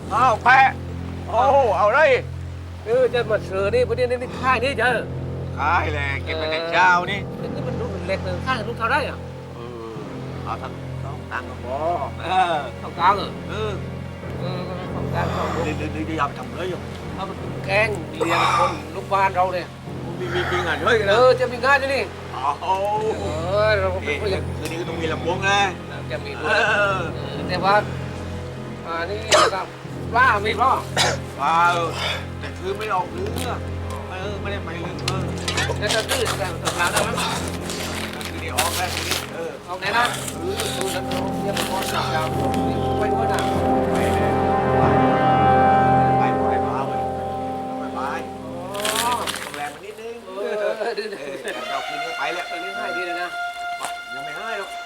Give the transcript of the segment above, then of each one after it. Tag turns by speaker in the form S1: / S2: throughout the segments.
S1: อ้าวแปะโอ้เอาเลย
S2: จะมาเสือนี่ประเดี๋ยวนี้ค่ายนี่เจอ
S1: ขายแหละเก็บไปแต่เช้านี่
S2: นี่มันดูเล็กเลยค่ายลูกเท่าได้อ่ะ
S1: เอาทั้งต้องตังค์ก็พอ
S2: ต้องกลางเหรอ ต้องกลางต้อง
S1: ดีเอาไปทำเลยอยู่
S2: เอาไปแกงเลี้ยงคนลูกบ้านเราเนี่ย
S1: มีงานด้วยกันนะ
S2: จะมีงานอยู่นี่
S1: โอ้
S2: เรา
S1: คืนนี้ก็ต้องมีลำวงนะ
S2: จะมีด้วยแต่ว่านี่นะครับว่ามีป่ะ
S1: ว้าวแต่คือไม่ออกลึกไม่ได้ไปลึก
S2: จะตื้อแต่ตกน้ำได้ไหม
S1: คือเดี๋ยวออกแล้วทีนี้
S2: เอาไหนนะดูแล้วเรียบร้อยแล้วไปด้วยนะ
S1: ไปมาเลยไปต้องแรงมานิดนึงเราคืนนี้ไปแล้ว
S2: ตอนนี้ให้ดีเลยนะ
S1: ยังไม่ให้หรอก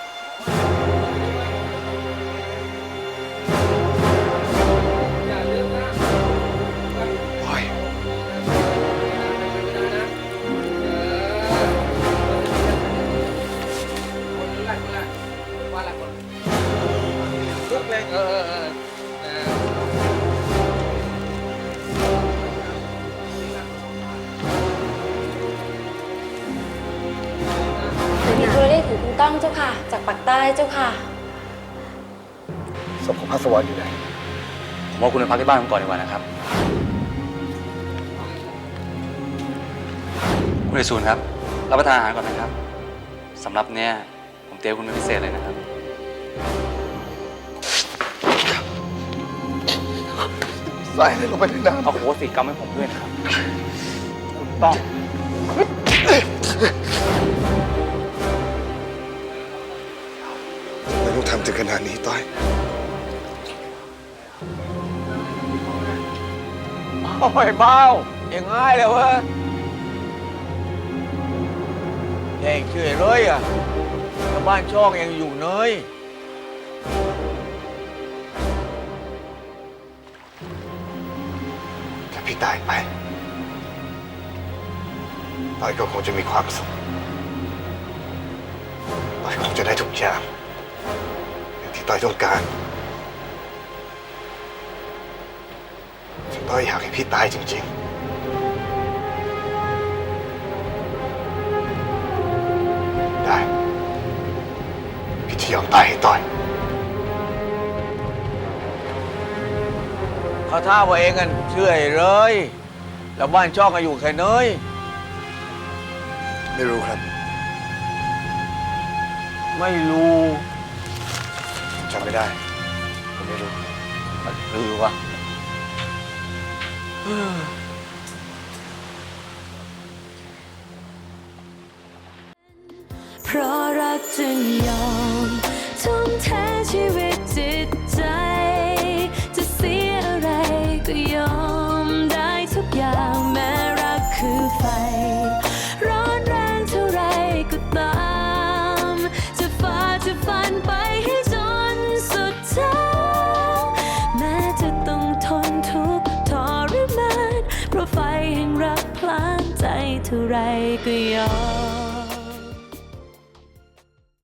S2: อย่าลืมนะ
S1: โอ้ยลุกเลย
S3: มีโทรเรียกถึงคุณก้องเจ้าค่ะ จากปากใต้เจ้าค่ะ
S4: ศพของพระสวรรค์อยู่ไหน
S5: ผมว่าคุณไปพักที่บ้านผมก่อนดีกว่านะครับ คุณเอซูนครับ รับประทานอาหารก่อนนะครับสำหรับเนี่ยผมเตรียมคุณเป็นพิเศษเลยนะครับ
S4: ใส่ให้ลงไปในน้ำ
S5: เอาโหสิกรรมให้ผมด้วยนะครับ คุณต้อง
S4: ไม่ต้องทำถึงขนาดนี้ต้อย
S1: โอ้ยเบาอย่างง่ายเลยเว้ยเองเฉยเลยอ่ะชาวบ้านช่องยังอยู่เนย
S4: ถ้าพี่ตายไปต้อยก็คงจะมีความสุขต้อยคงจะได้ทุกอย่างอย่างที่ต้อยต้องการถึงต้อยอยากให้พี่ตายจริงๆได้พี่จะยอมตายให้ต้อย
S1: เขาท่าว่าเองกันเชื่อเลย แล้วบ้านช่องก็อยู่แค่เนย
S4: ไม่รู้ครับ
S1: ไม่รู้
S4: จำไม่ได้ ผมไม่รู้
S1: มันคือวะ
S6: เพราะรักจึงยอมทุ่มเทชีวิตจิตใจจะเสียอะไรก็ยอมได้ทุกอย่างแม้รักคือไฟร้อนแรงเท่าไรก็ตามจะฝ่าจะฟันไปให้จนสุดทางแม้จะต้องทนทุกข์ทรมานเพราะไฟแห่งรักพลานใจเท่าไรก็ยอม